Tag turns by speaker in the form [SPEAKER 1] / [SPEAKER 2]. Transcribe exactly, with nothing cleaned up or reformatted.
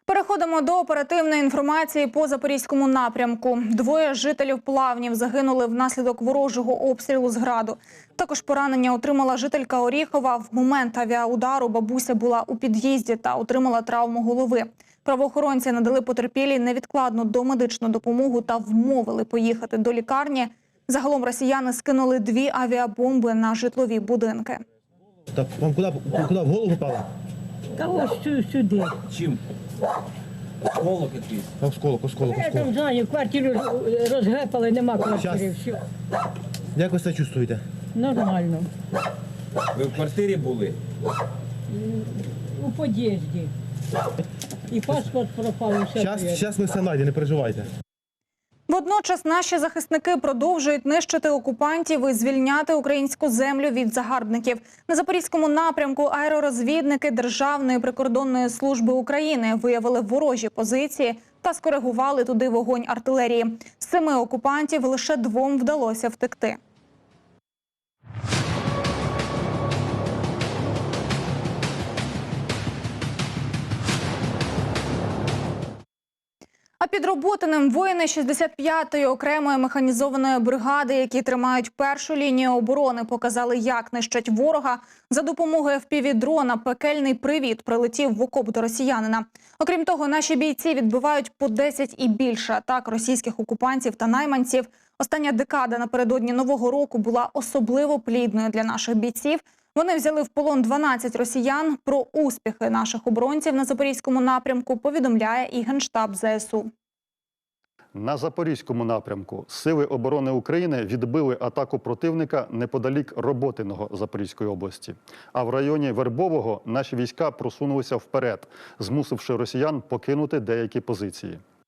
[SPEAKER 1] Переходимо до оперативної інформації по Запорізькому напрямку. Двоє жителів Плавнів загинули внаслідок ворожого обстрілу з граду. Також поранення отримала жителька Оріхова. В момент авіаудару бабуся була у під'їзді та отримала травму голови. Правоохоронці надали потерпілій невідкладну домедичну допомогу та вмовили поїхати до лікарні. Загалом росіяни скинули дві авіабомби на житлові будинки.
[SPEAKER 2] Так вам куди, куди в голову попало?
[SPEAKER 3] Та ось сюди.
[SPEAKER 4] Чим? Осколок якийсь.
[SPEAKER 2] Осколок, осколок,
[SPEAKER 3] Я там
[SPEAKER 2] осколок.
[SPEAKER 3] знаю, квартиру розгепали, нема квартири. Все.
[SPEAKER 2] Як ви себе чувствуєте?
[SPEAKER 3] Нормально.
[SPEAKER 4] Ви в квартирі були?
[SPEAKER 3] У під'їзді. І паспорт пропав, і все.
[SPEAKER 2] Зараз,
[SPEAKER 3] є.
[SPEAKER 2] зараз ми все знайдемо, не переживайте.
[SPEAKER 1] Водночас наші захисники продовжують нищити окупантів і звільняти українську землю від загарбників. На Запорізькому напрямку аеророзвідники Державної прикордонної служби України виявили ворожі позиції та скоригували туди вогонь артилерії. З семи окупантів лише двом вдалося втекти. А під Роботиним воїни шістдесят п'ятої окремої механізованої бригади, які тримають першу лінію оборони, показали, як нищать ворога. За допомогою еф пі ві-дрона пекельний привіт прилетів в окоп до росіянина. Окрім того, наші бійці відбивають по десять і більше атак російських окупантів та найманців. Остання декада напередодні Нового року була особливо плідною для наших бійців. Вони взяли в полон дванадцять росіян. Про успіхи наших оборонців на Запорізькому напрямку повідомляє і Генштаб зе ес у.
[SPEAKER 5] На Запорізькому напрямку Сили оборони України відбили атаку противника неподалік Роботиного Запорізької області. А в районі Вербового наші війська просунулися вперед, змусивши росіян покинути деякі позиції.